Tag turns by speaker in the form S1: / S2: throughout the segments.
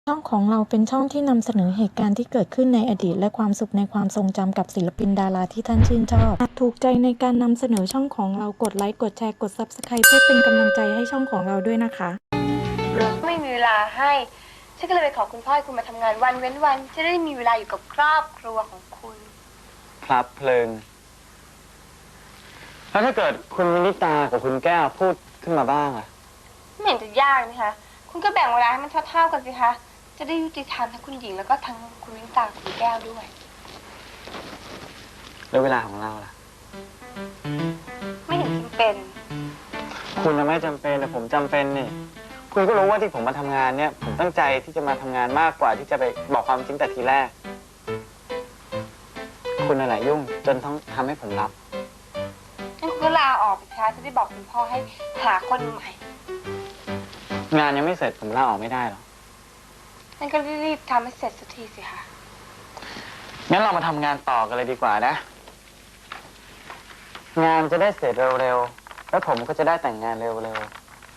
S1: ช่องของเราเป็นช่องที่นำเสนอเหตุการณ์ที่เกิดขึ้นในอดีตและความสุขในความทรงจำกับศิลปินดาราที่ท่านชื่นชอบหากถูกใจในการนำเสนอช่องของเรากดไลค์กดแชร์กด Subscribe เพื่อเป็นกำลังใจให้ช่องของเราด้วยนะคะ
S2: ไม่มีเวลาให้ฉันก็เลยไปขอคุณพ่อให้คุณมาทำงานวันเว้นวันจะได้มีเวลาอยู่กับครอบครัวของคุณ
S3: ครับเพลิงแล้วถ้าเกิดคุณมินิตากับคุณแก้วพูดขึ้นมาบ้างอะ
S2: ไม่เห็นจะยากนะคะคุณก็แบ่งเวลาให้มันเท่าๆกันสิคะจะได้ยุติธรรมทั้งคุณหญิงแล้วก็ทั้งคุณวิ้งตากับคุณแก้วด้วย
S3: แล้วเวลาของเราล่ะ
S2: ไม่เห็นจำเป็น
S3: คุณไม่จำเป็นแต่ผมจำเป็นนี่คุณก็รู้ว่าที่ผมมาทำงานเนี่ยผมตั้งใจที่จะมาทำงานมากกว่าที่จะไปบอกความจริงแต่ทีแรกคุณอะไรยุ่งจนต้องทำให้ผมรับ
S2: งั้นคุณก็ลาออกไปคะจะได้บอกคุณพ่อให้หาคนใหม่
S3: งานยังไม่เสร็จผมลาออกไม่ได้หรอก
S2: งั้นก็รีบทำให้เสร็จสักทีสิคะ
S3: งั้นเรามาทำงานต่อกันเลยดีกว่านะงานจะได้เสร็จเร็วๆแล้วผมก็จะได้แต่งงานเร็วๆ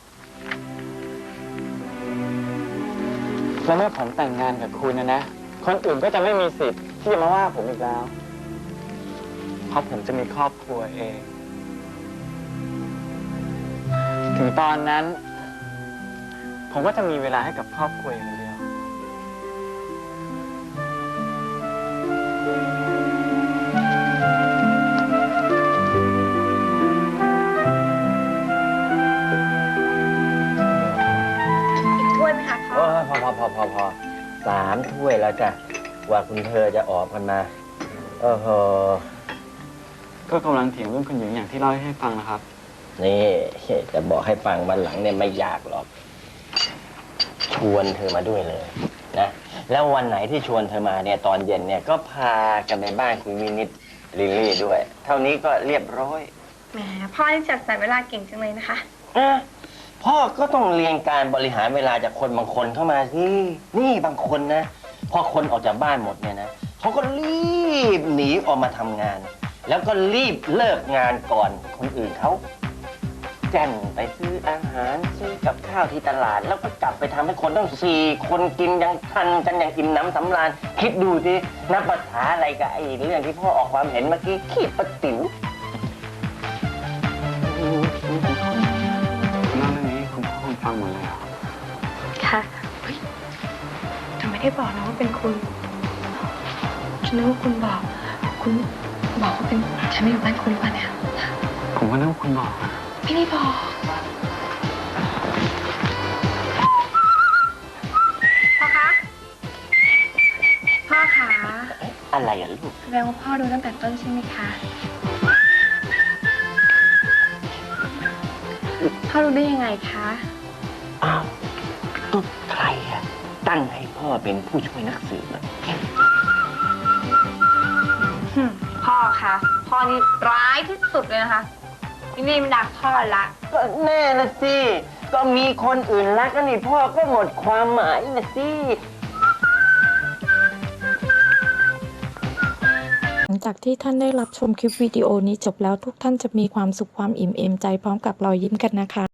S3: แล้วเมื่อผมแต่งงานกับคุณนะคนอื่นก็จะไม่มีสิทธิ์ที่จะมาว่าผมอีกแล้วเพราะผมจะมีครอบครัวเองถึงตอนนั้นผมก็จะมีเวลาให้กับครอบครัวอย่างเดียว
S2: อีกถ้วยไหมคะพ่อ
S4: พอ3 ถ้วยแล้วจ้ะว่าคุณเธอจะออกกันมา
S3: ก็กำลังเถียงเรื่องคุณหญิงอย่างที่เล่าให้ฟังนะครับ
S4: นี่จะบอกให้ฟังวันหลังเนี่ยไม่ยากหรอกชวนเธอมาด้วยเลยนะแล้ววันไหนที่ชวนเธอมาเนี่ยตอนเย็นเนี่ยก็พากันไปบ้านคุณวินิตลิลลี่ด้วยเท่านี้ก็เรียบร้อย
S2: แหมพ่อนี่จัดสรรเวลาเก่งจังเลยนะคะ
S4: พ่อก็ต้องเรียนการบริหารเวลาจากคนบางคนเข้ามาสินี่บางคนนะพอคนออกจากบ้านหมดเนี่ยนะเขาก็รีบหนีออกมาทำงานแล้วก็รีบเลิกงานก่อนคนอื่นเขาแจ่นไปซื้ออาหารซื้อกับข้าวที่ตลาดแล้วก็กลับไปทำให้คนต้อง4 คนกินยังทันกันอย่างอิ่มน้ำสำราญคิดดูสินับภาษาอะไรกับไอ้เรื่องที่พ่อออกความเห็นเมื่อกี้ขี้ประติ๋ว
S3: คุณเล่าเรื่องนี้คุณพ่อคุณฟังหมดเลยเหรอ
S2: ค่ะแต่ไม่ได้บอกนะว่าเป็นคุณฉันนึกว่าคุณบอกว่าเป็นฉันไม่อยู่บ้านคุณหรือเปล่าเนี่ย
S3: ผมก็นึกว่าคุณบอกนะ
S2: ไม่ได้บอกพ่อคะ
S4: อะไรอ่ะลูก
S2: แสดงว่าพ่อดูตั้งแต่ต้นใช่ไหมคะพ่อรู้ได้ยังไงคะ
S4: อ้าวก็ใครอ่ะตั้งให้พ่อเป็นผู้ช่วยนักสืบ
S2: พ่อคะพ่อนี่ร้ายที่สุดเลยนะคะนี่มันดักพ่อละ
S4: ก็แน่นะสิก็มีคนอื่นรักกันนี่พ่อก็หมดความหมายนะสิ
S1: หลังจากที่ท่านได้รับชมคลิปวิดีโอนี้จบแล้วทุกท่านจะมีความสุขความอิ่มเอมใจพร้อมกับรอยยิ้มกันนะคะ